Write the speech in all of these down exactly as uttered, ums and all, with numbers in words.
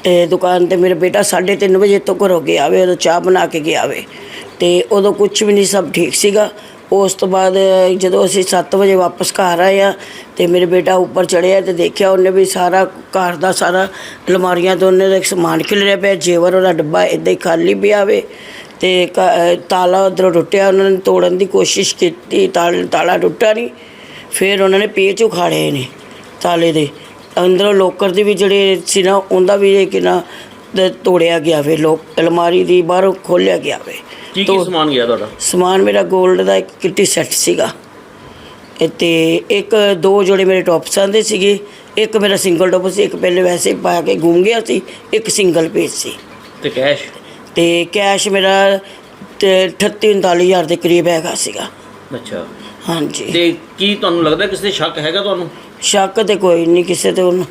ਤੇ ਦੁਕਾਨ ਤੇ ਮੇਰਾ ਬੇਟਾ ਸਾਢੇ ਤਿੰਨ ਵਜੇ ਤੋਂ ਘਰੋਂ ਗਿਆ ਵੇ, ਉਦੋਂ ਚਾਹ ਬਣਾ ਕੇ ਗਿਆ ਵੇ ਤੇ ਉਦੋਂ ਕੁਝ ਵੀ ਨਹੀਂ, ਸਭ ਠੀਕ ਸੀਗਾ। ਉਸ ਤੋਂ ਬਾਅਦ ਜਦੋਂ ਅਸੀਂ ਸੱਤ ਵਜੇ ਵਾਪਸ ਘਰ ਆਏ ਆ ਤੇ ਮੇਰੇ ਬੇਟਾ ਉੱਪਰ ਚੜ੍ਹਿਆ ਤੇ ਦੇਖਿਆ ਉਹਨੇ ਵੀ ਸਾਰਾ ਘਰ ਦਾ ਸਾਰਾ ਅਲਮਾਰੀਆਂ ਤੋਂ ਉਹਨੇ ਦਾ ਸਮਾਨ ਖਿਲਰਿਆ ਪਿਆ, ਜੇਵਰ ਉਹਦਾ ਡੱਬਾ ਇੱਦਾਂ ਹੀ ਖਾਲੀ ਪਿਆ ਵੇ ਤੇ ਤਾਲਾ ਉੱਧਰੋਂ ਟੁੱਟਿਆ। ਉਹਨਾਂ ਨੇ ਤੋੜਨ ਦੀ ਕੋਸ਼ਿਸ਼ ਕੀਤੀ, ਤਾਲ ਤਾਲਾ ਟੁੱਟਾ ਨਹੀਂ। ਫਿਰ ਉਹਨਾਂ ਨੇ ਪੇਚ ਉਖਾੜੇ ਨੇ ਤਾਲੇ ਦੇ, ਅੰਦਰੋਂ ਲੋਕਰ ਦੇ ਵੀ ਜਿਹੜੇ ਸੀ ਨਾ ਉਹਦਾ ਵੀ ਕਿੰਨਾ ਤੋੜਿਆ ਗਿਆ ਵੇ, ਲੋਕ ਅਲਮਾਰੀ ਦੀ ਬਾਹਰੋਂ ਖੋਲ੍ਹਿਆ ਗਿਆ ਵੇ। ਕੀ ਕੀ ਸਮਾਨ ਗਿਆ ਤੁਹਾਡਾ? ਸਮਾਨ ਮੇਰਾ ਗੋਲਡ ਦਾ ਇੱਕ ਕਿੱਟੀ ਸੈੱਟ ਸੀਗਾ ਅਤੇ ਇੱਕ ਦੋ ਜੋੜੇ ਮੇਰੇ ਟੋਪਸਾਂ ਦੇ ਸੀਗੇ, ਇੱਕ ਮੇਰਾ ਸਿੰਗਲ ਟੋਪ ਸੀ, ਇੱਕ ਪਹਿਲੇ ਵੈਸੇ ਪਾ ਕੇ ਗੁੰਮ ਗਿਆ ਸੀ, ਇੱਕ ਸਿੰਗਲ ਪੀਸ ਸੀ। ਤੇ ਕੈਸ਼? ਤੇ ਕੈਸ਼ ਮੇਰਾ ਤੇ ਅਠੱਤੀ ਉਨਤਾਲੀ ਹਜ਼ਾਰ ਦੇ ਕਰੀਬ ਹੈਗਾ ਸੀਗਾ। ਅੱਛਾ, ਹਾਂਜੀ। ਤੇ ਕੀ ਤੁਹਾਨੂੰ ਲੱਗਦਾ ਕਿਸੇ ਤੇ ਸ਼ੱਕ ਹੈਗਾ ਤੁਹਾਨੂੰ? ਸ਼ੱਕ ਤੇ ਕੋਈ ਨਹੀਂ ਕਿਸੇ ਤੇ, ਉਹਨੂੰ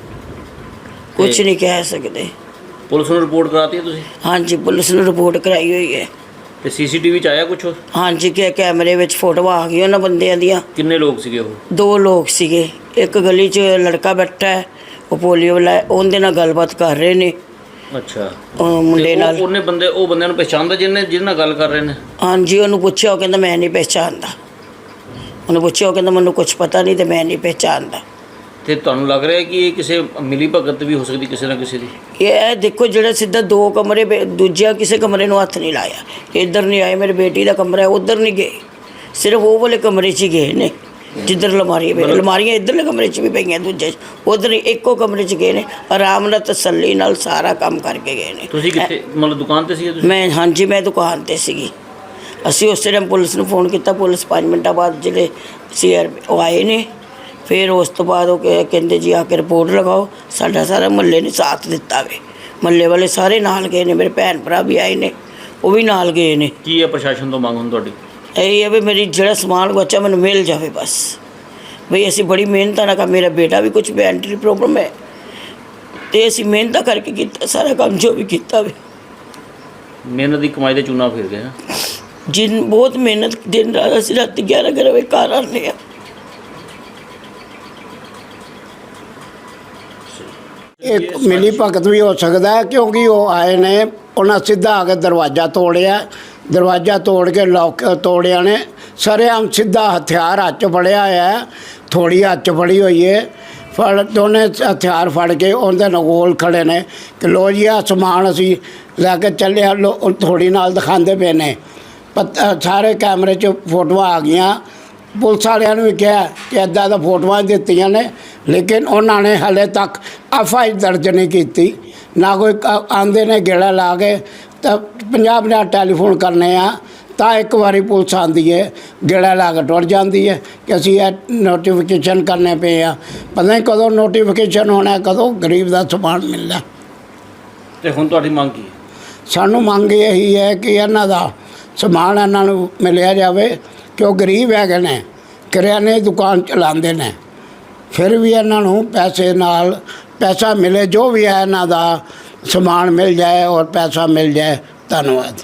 ਕੁਝ ਨਹੀਂ ਕਹਿ ਸਕਦੇ। ਪੁਲਿਸ ਨੂੰ ਰਿਪੋਰਟ ਕਰਾਤੀ ਹੈ ਤੁਸੀਂ? ਹਾਂਜੀ, ਪੁਲਿਸ ਨੂੰ ਰਿਪੋਰਟ ਕਰਾਈ ਹੋਈ ਹੈ। ਤੇ ਸੀਸੀਟੀਵੀ ਚ ਆਇਆ ਕੁਛ? ਹਾਂਜੀ, ਕਿ ਕੈਮਰੇ ਵਿੱਚ ਫੋਟੋਆਂ ਆ ਗਈਆਂ ਉਹਨਾਂ ਬੰਦਿਆਂ ਦੀਆਂ। ਕਿੰਨੇ ਲੋਕ ਸੀਗੇ ਉਹ? ਦੋ ਲੋਕ ਸੀਗੇ। ਇੱਕ ਗਲੀ 'ਚ ਲੜਕਾ ਬੈਠਾ ਹੈ, ਉਹ ਪੋਲੀਓ ਵਾਲਾ, ਉਹਦੇ ਨਾਲ ਗੱਲਬਾਤ ਕਰ ਰਹੇ ਨੇ। ਅੱਛਾ, ਮੁੰਡੇ ਨਾਲ। ਉਹਨੇ ਬੰਦੇ ਉਹ ਬੰਦਿਆਂ ਨੂੰ ਪਛਾਣਦਾ ਜਿਹਨੇ ਜਿਹਦੇ ਨਾਲ ਗੱਲ ਕਰ ਰਹੇ ਨੇ? ਹਾਂਜੀ, ਉਹਨੂੰ ਪੁੱਛਿਆ, ਉਹ ਕਹਿੰਦਾ ਮੈਂ ਨਹੀਂ ਪਹਿਚਾਣਦਾ। ਉਹਨੂੰ ਪੁੱਛਿਆ, ਉਹ ਕਹਿੰਦਾ ਮੈਨੂੰ ਕੁਛ ਪਤਾ ਨਹੀਂ ਤੇ ਮੈਂ ਨਹੀਂ ਪਹਿਚਾਣਦਾ। ਤੇ ਤੁਹਾਨੂੰ ਲੱਗ ਰਿਹਾ ਕਿ ਇਹ ਕਿਸੇ ਮਿਲੀ ਭਗਤ ਵੀ ਹੋ ਸਕਦੀ ਕਿਸੇ ਨਾ ਕਿਸੇ ਦੀ? ਇਹ ਦੇਖੋ, ਜਿਹੜਾ ਸਿੱਧਾ ਦੋ ਕਮਰੇ, ਦੂਜਾ ਕਿਸੇ ਕਮਰੇ ਨੂੰ ਹੱਥ ਨਹੀਂ ਲਾਇਆ, ਇੱਧਰ ਨਹੀਂ ਆਏ। ਮੇਰੀ ਬੇਟੀ ਦਾ ਕਮਰਾ ਉੱਧਰ ਨਹੀਂ ਗਏ, ਸਿਰਫ ਉਹ ਵਾਲੇ ਕਮਰੇ 'ਚ ਹੀ ਗਏ ਨੇ ਜਿੱਧਰ ਅਲਮਾਰੀ ਪਈ। ਅਲਮਾਰੀਆਂ ਇੱਧਰਲੇ ਕਮਰੇ 'ਚ ਵੀ ਪਈਆਂ, ਦੂਜੇ ਉੱਧਰ ਇੱਕੋ ਕਮਰੇ 'ਚ ਗਏ ਨੇ, ਆਰਾਮ ਨਾਲ ਤਸੱਲੀ ਨਾਲ ਸਾਰਾ ਕੰਮ ਕਰਕੇ ਗਏ ਨੇ। ਤੁਸੀਂ ਕਿੱਥੇ, ਮਤਲਬ ਦੁਕਾਨ 'ਤੇ ਸੀਗੇ ਤੁਸੀਂ? ਮੈਂ ਹਾਂਜੀ, ਮੈਂ ਦੁਕਾਨ 'ਤੇ ਸੀਗੀ। ਅਸੀਂ ਉਸੇ ਟਾਈਮ ਪੁਲਿਸ ਨੂੰ ਫੋਨ ਕੀਤਾ, ਪੁਲਿਸ ਪੰਜ ਮਿੰਟਾਂ ਬਾਅਦ ਜਿਹੜੇ ਸੀ ਆਰ ਉਹ ਆਏ ਨੇ। ਫਿਰ ਉਸ ਤੋਂ ਬਾਅਦ ਉਹ ਕਹਿੰਦੇ ਜੀ ਆ ਕੇ ਰਿਪੋਰਟ ਲਗਾਓ। ਸਾਡਾ ਸਾਰਾ ਮੁਹੱਲੇ ਨੇ ਸਾਥ ਦਿੱਤਾ ਵੇ, ਮੁਹੱਲੇ ਵਾਲੇ ਸਾਰੇ ਨਾਲ ਗਏ ਨੇ, ਮੇਰੇ ਭੈਣ ਭਰਾ ਵੀ ਆਏ ਨੇ, ਉਹ ਵੀ ਨਾਲ ਗਏ ਨੇ। ਕੀ ਹੈ ਪ੍ਰਸ਼ਾਸਨ ਤੋਂ ਮੰਗ ਹੁਣ ਤੁਹਾਡੀ? ਇਹ ਹੈ ਵੀ ਮੇਰੀ ਜਿਹੜਾ ਸਮਾਨ ਬੱਚਾ ਮੈਨੂੰ ਮਿਲ ਜਾਵੇ ਬਸ। ਬਈ ਅਸੀਂ ਬੜੀ ਮਿਹਨਤ ਨਾਲ ਕੰਮ, ਮੇਰਾ ਬੇਟਾ ਵੀ ਕੁਛ ਮੈਂਟਲੀ ਪ੍ਰੋਬਲਮ ਹੈ ਅਤੇ ਅਸੀਂ ਮਿਹਨਤ ਕਰਕੇ ਕੀਤਾ ਸਾਰਾ ਕੰਮ ਜੋ ਵੀ ਕੀਤਾ ਵੇ। ਮਿਹਨਤ ਦੀ ਕਮਾਈ ਦੇ ਚੂਨਾ ਫਿਰ ਗਏ। ਜਿਨ ਬਹੁਤ ਮਿਹਨਤ, ਦਿਨ ਰਾਤ ਅਸੀਂ ਰਾਤੀ ਗਿਆਰਾਂ ਗਿਆਰਾਂ ਵਜੇ ਘਰ ਆਉਂਦੇ ਹਾਂ। ਇੱਕ ਮਿਲੀ ਭਗਤ ਵੀ ਹੋ ਸਕਦਾ ਕਿਉਂਕਿ ਉਹ ਆਏ ਨੇ, ਉਹਨਾਂ ਸਿੱਧਾ ਆ ਕੇ ਦਰਵਾਜ਼ਾ ਤੋੜਿਆ, ਦਰਵਾਜ਼ਾ ਤੋੜ ਕੇ ਲੋਕ ਤੋੜਿਆ ਨੇ, ਸਰੇਆਮ ਸਿੱਧਾ ਹਥਿਆਰ ਹੱਥ 'ਚ ਫੜਿਆ ਹੋਇਆ, ਥੋੜੀ ਹੱਥ 'ਚ ਫੜੀ ਹੋਈ ਹੈ, ਫੜ ਦੋਨੇ ਹਥਿਆਰ ਫੜ ਕੇ ਉਹਦੇ ਨਾਲ ਕੋਲ ਖੜੇ ਨੇ ਕਿ ਲੋ ਜੀ ਆਹ ਸਮਾਨ ਅਸੀਂ ਲੈ ਕੇ ਚੱਲੇ, ਲੋ ਥੋੜੀ ਨਾਲ ਦਿਖਾਉਂਦੇ ਪਏ ਨੇ। ਪਤਾ ਸਾਰੇ ਕੈਮਰੇ 'ਚ ਫੋਟੋਆਂ ਆ ਗਈਆਂ। ਪੁਲਿਸ ਵਾਲਿਆਂ ਨੂੰ ਵੀ ਕਿਹਾ ਕਿ ਇੱਦਾਂ ਦਾ ਫੋਟੋਆਂ ਦਿੱਤੀਆਂ ਨੇ, ਲੇਕਿਨ ਉਹਨਾਂ ਨੇ ਹਾਲੇ ਤੱਕ ਐਫ ਆਈ ਆਰ ਦਰਜ ਨਹੀਂ ਕੀਤੀ। ਨਾ ਕੋਈ ਆਉਂਦੇ ਨੇ ਗੇੜਾ ਲਾ ਕੇ ਤਾਂ ਪੰਜਾਹ ਪੰਜਾਹ ਟੈਲੀਫੋਨ ਕਰਨੇ ਆ ਤਾਂ ਇੱਕ ਵਾਰੀ ਪੁਲਿਸ ਆਉਂਦੀ ਹੈ, ਗੇੜਾ ਲਾ ਕੇ ਟੁੱਟ ਜਾਂਦੀ ਹੈ ਕਿ ਅਸੀਂ ਇਹ ਨੋਟੀਫਿਕੇਸ਼ਨ ਕਰਨੇ ਪਏ ਆ। ਪਤਾ ਨਹੀਂ ਕਦੋਂ ਨੋਟੀਫਿਕੇਸ਼ਨ ਹੋਣਾ, ਕਦੋਂ ਗਰੀਬ ਦਾ ਸਮਾਨ ਮਿਲਦਾ। ਤੇ ਹੁਣ ਤੁਹਾਡੀ ਮੰਗ ਕੀ ਹੈ? ਸਾਨੂੰ ਮੰਗ ਇਹੀ ਹੈ ਕਿ ਇਹਨਾਂ ਦਾ ਸਮਾਨ ਇਹਨਾਂ ਨੂੰ ਮਿਲਿਆ ਜਾਵੇ ਕਿ ਉਹ ਗਰੀਬ ਹੈਗੇ ਨੇ, ਕਰਿਆਨੇ ਦੀ ਦੁਕਾਨ ਚਲਾਉਂਦੇ ਨੇ, ਫਿਰ ਵੀ ਇਹਨਾਂ ਨੂੰ ਪੈਸੇ ਨਾਲ ਪੈਸਾ ਮਿਲੇ, ਜੋ ਵੀ ਹੈ ਇਹਨਾਂ ਦਾ ਸਮਾਨ ਮਿਲ ਜਾਏ ਔਰ ਪੈਸਾ ਮਿਲ ਜਾਏ। ਧੰਨਵਾਦ।